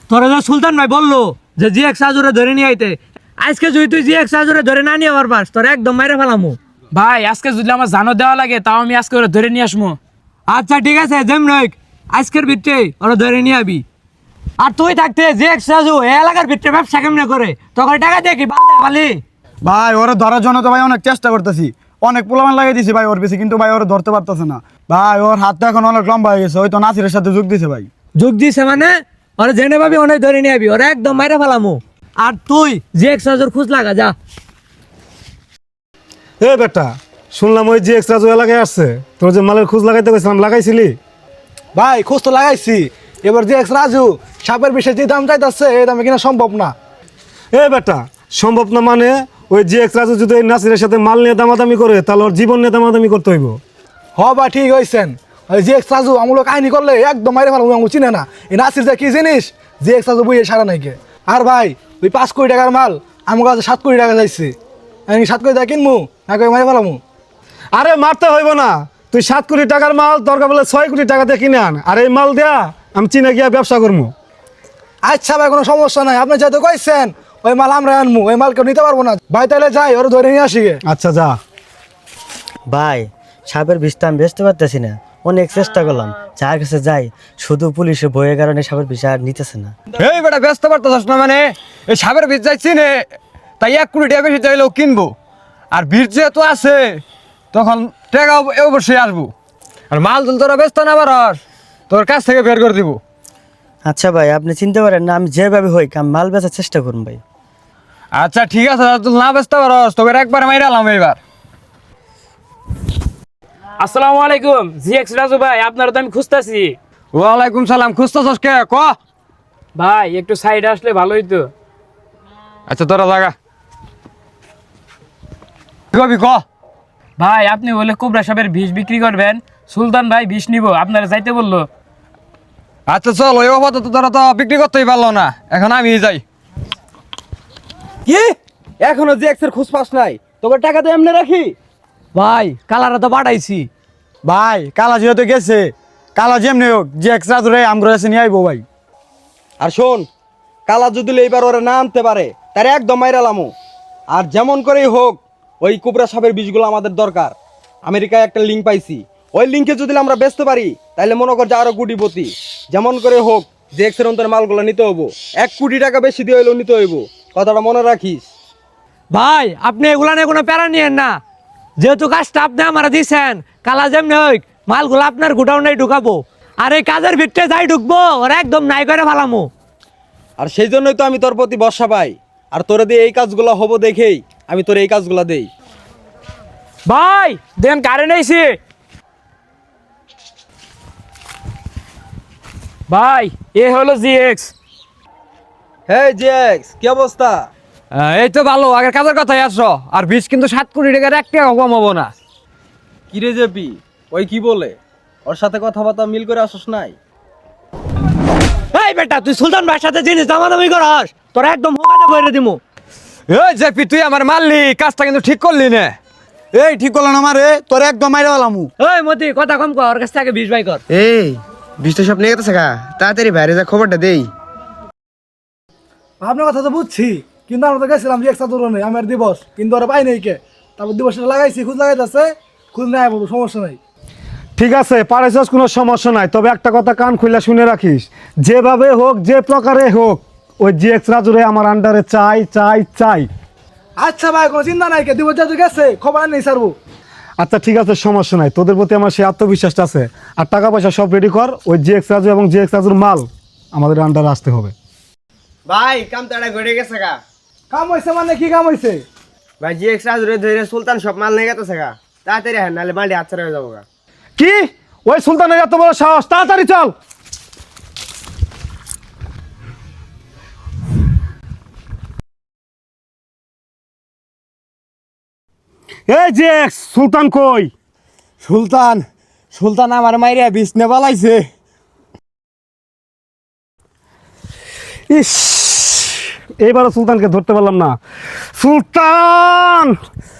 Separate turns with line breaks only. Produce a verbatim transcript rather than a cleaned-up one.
তোরা যে সুলতান ভাই বললো যে জি এক্স আজুরে ধরে নিয়ে আইতে, আজকে যদি তুই জি এক্স আজুরে ধরে না নিয়ে আবার পাস তোরা একদম মাইরে ফেলামু।
ভাই আজকে যদি আমার জানো দেওয়া লাগে তাও আমি আজকে ওরা ধরে নিয়ে আসবো।
আচ্ছা ঠিক আছে, যেম নয় আজকের ভিতরে ওরা ধরে নিয়ে আবি। আর তুই থাকতে যে এক্স আজু এ এলাকার ভিতরে ব্যবসা কেমনে করে তখন টাকা দিয়ে কি বালদে বালি?
ভাই ওরা ধরার জন্য তো ভাই অনেক চেষ্টা করতেছি, অনেক পোলামান লাগিয়ে দিছি ভাই ওর বেশি, কিন্তু ভাই ওরা ধরতে পারতেছে না ভাই। ওর হাতটা এখন অনেক লম্বা হয়ে গেছে, ওই তো নাসিরের সাথে যোগ দিছে ভাই।
যোগ দিছে মানে ওরা জেনে পাবি অনেক ধরে নিয়ে আবি, ওরা একদম মাইরে ফেলামু। আর তুই যে এক্স আজুর খোঁজ লাগা যা।
এ বেটা, শুনলাম ওই যে এক্সট্রা জো এলাকায় আসছে, তোর যে মালের খোঁজ লাগাইতে গেছিলাম লাগাইছিলি?
ভাই খোঁজ তো লাগাইছি, এবার যে এক্স রাজু সাপের বিষয়ে যে দাম চাইতেছে এই দামে কিনা সম্ভব না।
এ বেটা, সম্ভব না মানে? ওই যে এক্সট্রা জো যদি ওই নাসিরের সাথে মাল নিয়ে দামাদামি করে তাহলে ওর জীবন নিয়ে দামাদামি করতে হইব।
হ বা ঠিক হয়েছেন, ওই যে এক্স রাজু আমুলো কাহিনী করলে একদম মাইরে ফেলাম, আমি চিনে না এই নাসির যা কি জিনিস, যে এক্স রাজু বইয়ে সারা নাইকে। আর ভাই ওই পাঁচ কোটি টাকার মাল আমার কাছে সাত কোটি টাকা যাইছে, আমি সাত কোটি টাকা কিনবো না করে মাইরে ফেলামু।
আরে মারতে হইব না, তুই সাত কোটি টাকার মাল দরকার বলে ছয় কোটি টাকা দিয়ে কিনে আন, আর এই মাল দেয়া আমি চীনে গিয়া ব্যবসা করবো।
আচ্ছা ভাই কোনো সমস্যা নাই, আপনি যেহেতু কইছেন ওই মাল আমরা আনবো, ওই মাল কেউ নিতে পারবো না। ভাই তাহলে যাই ওরা ধরে নিয়ে আসি গে।
আচ্ছা যা।
ভাই সাপের বিষটা আমি বেচতে পারতেছি না, অনেক চেষ্টা করলাম, যার কাছে যাই শুধু পুলিশের ভয়ের কারণে সাপের বিষ আর নিতেছে না।
এই বেটা ব্যস্ত পারতেছ না মানে? এই সাপের বীজ যাইছি নে, তাই এক কোটি টাকা বেশি চাইলেও কিনবো, আর বীজ যেহেতু আছে তখন টাকা অবশ্যই আসবো। আর মাল তুল তোরা ব্যস্ত না পারস, তোর কাছ থেকে বের করে দিব।
আচ্ছা ভাই আপনি চিনতে পারেন না, আমি যেভাবে হই আমি মাল বেচার চেষ্টা করুন ভাই।
আচ্ছা ঠিক আছে, তুই না ব্যস্ত পারস তোকে একবার মাইরালাম এইবার।
আসসালামু আলাইকুম জি এক্স রাজু ভাই, আপনারা তো আমি খুঁজতেছি।
ওয়ালাইকুম সালাম, খুঁজতেছস কে ক?
ভাই একটু সাইডে আসলে ভালো হইতো।
আচ্ছা তোরা লাগা কবি ক।
ভাই আপনি বলে কোবরা সাপের বিষ বিক্রি করবেন, সুলতান ভাই বিষ নিব, আপনারা যাইতে বললো।
আচ্ছা চল, ওই অবস্থা তো তোরা তো বিক্রি করতেই পারলো না, এখন আমি যাই।
কি এখনো যে এক্সের খোঁজ পাস নাই? তোকে টাকা তো এমনি রাখি।
ভাই কালারা তো পাঠাইছি।
ভাই কালা যেহেতু গেছে, কালা যেমনি হোক যে এক্সট্রা জোরে আমগরে এসে নিয়ে আইবো ভাই।
আর শোন, কালা যদি এইবার ওরা না আনতে পারে তার একদম মাইরালামো। আর যেমন করেই হোক ওই কুবরা সাপের বীজগুলো আমাদের দরকার। আমেরিকায় একটা লিঙ্ক পাইছি, ওই লিঙ্কে যদি আমরা বেচতে পারি তাহলে মনে কর যে আরো কোটিপতি। যেমন করে হোক যে এক্সের অন্তর মালগুলো নিতে হবো, এক কোটি টাকা বেশি দিয়ে হইলেও নিতে হইব, কথাটা মনে রাখিস।
ভাই আপনি এগুলা নিয়ে কোনো প্যারা নিয়েন না, যেহেতু কাজটা আপনি আমার দিয়েছেন, কালা যেমনি হোক মালগুলো আপনার গোডাউনে ঢুকাবো, আর এই কাজের ভিতরে যাই ঢুকবো ওরা একদম নাই করে ফেলামো।
আর সেই জন্যই তো আমি তোর প্রতি ভরসা পাই, আর তোরে দিয়ে এই কাজগুলো হবো দেখেই আমি তোর এই কাজগুলো দেই।
ভাই দেন কারেন্ট আইছে। ভাই এ হলো জি এক্স।
হে জেক্স, কি অবস্থা?
এই তো ভালো, আগের কাজের কথাই আসো। আর বীজ কিন্তু সাত কোটি টাকার এক টাকা কম হবো না।
কিরে জেপি, ওই কি বলে? ওর সাথে কথাবার্তা মিল করে আসস নাই?
এই বেটা তুই সুলতান ভাইয়ের সাথে জিনিস দামাদামি করস, তোরা একদম হোকাতে বইরে দিমু।
এই জেপি তুই আমার মারলি, কাজটা কিন্তু ঠিক করলি না।
এই ঠিক করলো না মারে, তোর একদম মাইরে ফেলামু।
ওই মতি কথা কম কর, ওর কাছ থেকে বিশ ভাই কর।
এই বৃষ্টি সব নিয়ে গেছে গা, তাড়াতাড়ি বাইরে যা খবরটা দেই।
আপনার কথা তো বুঝছি, কিন্তু আমরা তো গেছিলাম যে একসাথে নেই আমার দিবস, কিন্তু ওরা পাই নাই কে। তারপর দিবসটা লাগাইছি, খুঁজ লাগাইতেছে, খুঁজ নেই বলবো, সমস্যা নাই।
ঠিক আছে পারেছস, কোনো সমস্যা নাই, তবে একটা কথা কান খুলে শুনে রাখিস, যেভাবে হোক যে প্রকারে হোক ওই জি এক্স রাজুরে আমার আন্ডারে চাই চাই চাই।
আচ্ছা ভাই কোনো চিন্তা নাই, কে দিবস যেহেতু গেছে খবর নেই সারবো।
আচ্ছা ঠিক আছে সমস্যা নাই, তোদের প্রতি আমার সেই আত্মবিশ্বাসটা আছে। আর টাকা পয়সা সব রেডি কর, ওই জি এক্স রাজু এবং জি এক্স রাজুর মাল আমাদের আন্ডারে আসতে হবে।
ভাই কাম তাড়া ঘটে গেছে গা।
কাম হয়েছে মানে কি কাম হয়েছে?
ভাই জি এক্সট্রা ধরে ধরে সুলতান সব মাল নিয়ে গেছে গা, তাড়াতাড়ি হ্যাঁ নাহলে মালটি হাতছাড়া হয়ে যাবো গা।
কি ওই সুলতানের এত বড় সাহস? তাড়াতাড়ি চল। এই যে সুলতান কই?
সুলতান সুলতান আমার মাইরিয়া বিষ নে পালাইছে।
ইস, এইবারও সুলতানকে ধরতে পারলাম না। সুলতান